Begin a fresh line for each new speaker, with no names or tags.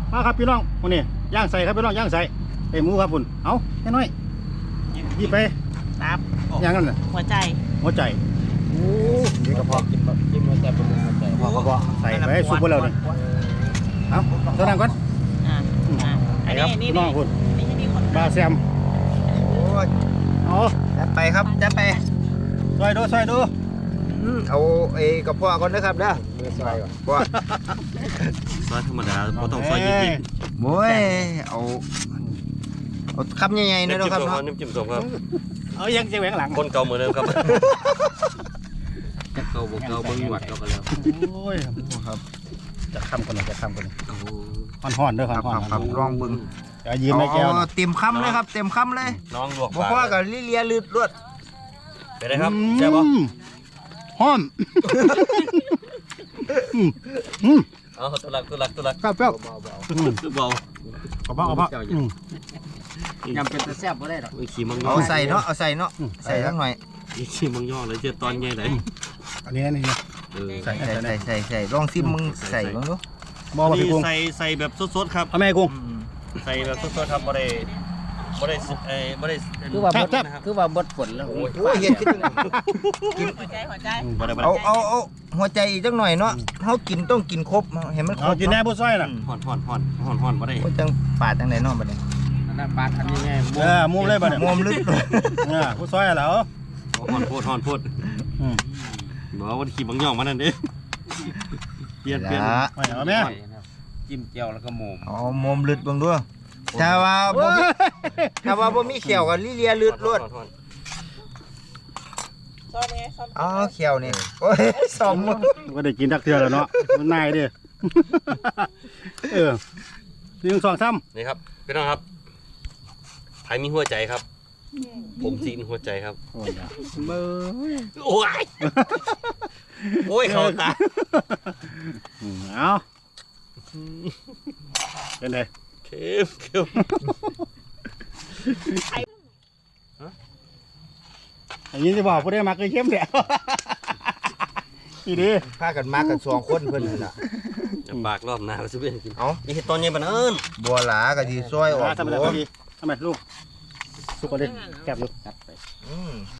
มาครับพี่น้องวันนี้ย่างใส่ครับพี่น้องย่างใส่ไอ้หมูครับคุณเอาแค่น้อยยี่ไป
ตับ
ย่างนั่นน่ะ
หัวใจ
หัวใจโอ้นี่กระเพาะ
กินหัวใจเป็นหัวใจ
กระเพาะใส่ไปซุปไปแล้วนี่เอาเท่านั้นก่อน
อัน
ครับ
นี้
พี่น้องคุณ
นี่ให้มีคน
บาแซม
โอ้ย
เอา
จัดไปครับจัดไป
ซอยดูซอยดู
เอาไอ้กระเพาะก่อนนะครับเด้อมือซอยก่อนเพราะ
ซอยธรรมดาบ่ต้องซอยยิบ
โอ้ยเอาคำใหญ่ๆ
ๆ
หนะ
น้ำ
ค
จิ้
รับ
มสอง
เนาะ
น้ำจิ้มสองครับ
เอายังจะแหวงหลัง
คนเก่าเหมือนเดิมครับ
จะเก่าบ่เก่าเบิ่งหวัดเราก็แล้ว
โอ้ย
ครับ
จะคำกันหน่อยจะคำกันหน่อย
โอ้
ห่อนๆเด้อ
ครับ
ห่อน
ครับลองเบิ่ง
ๆอย่ายืมไม่แก้วนะ
เต็มคำเลยครับเต็มคำเลย
น้องลวก
บ่พอกับลิเลียลืดรวด
ไปได้ครับแซ่บบ่
ห่อน
เอาตัวหลัก
ครับเปรี้ยว
เบาก
ระเพาะกระเพาะ
ยำเป็นตะแซ่บบ่ได้ดอก
ขี่มังย่
เอา
อ
ใส่เนาะเอาใส่เนาะใส่สักหน่อย
ขี่มังย่อเลยเจอตอนใหญ่ไหน
อันนี้นี่
ใส่ลองซิมมึงใส่บ้างดู
มองมา
นี่
พี่กุ้ง
ใส่แบบสดๆครับ
เอาแม่กุ้ง
ใส่แบบสดๆครับบ่ได้
คือว่า
แซ่
บ่
บแซ่บ
คือว่าบดฝนแล้ว
โอ้ยเห็นคิด
หัวใจหัวใจ
บ่ได้
เอาหัวใจอีกจักหน่อยเนาะเฮากินต้องกินครบเห็นมันคร
เอา
บ
กินแน่ผู้ซอยน่ะ
ห่อนบ่ได้
โอ้ยจังปาดจังไหนเนาะบัดนี้
อันนั้นปลาคันง่ายๆ
เออมุมเลยป่ะเนี่ย
มวมลึก
ผู้ซอยเหรอ
ห่อนโพดบอกว่าขี่มังย่อมานั่นเด้เปลี่ยน
ละ
เอาแม่
จิ้มเจียวแล้วก็หมู
เอามวมลึกเบิ่งดูถ้าว่าบ่มีเขียวก็ลิเลียลึดรวด
ซ่อมไงซ่อม
อ๋อเขียวนี่โอ้ยสม
ก็ได้กินทักเทือแล้วเนาะมันนายดิเออ1 2 3
นี่ครับพี่น้องครับไผมีหัวใจครับ ผมจีนหัวใจครับ
โอ้ยเบอร์
โอ้ยโอ้ยเขาตา
เอาเป็นไง
เข้ม
อย่างนี้จะบอกผู้ได้มาเคยเข้มแหละอีดี
พากันมากัน2คนเพิ่นนั่นล่ะ
จะปากรอบหน้าก็จะเป็นกิน
เอา
นี่เห็ดตอนใหญ่ปานนั้น
บัวหลาก็สิซอยออก
ทำไม
โอ้
ดีทำไมลูกสุกกว่าดิแกบอยู่
จัดไป
อืม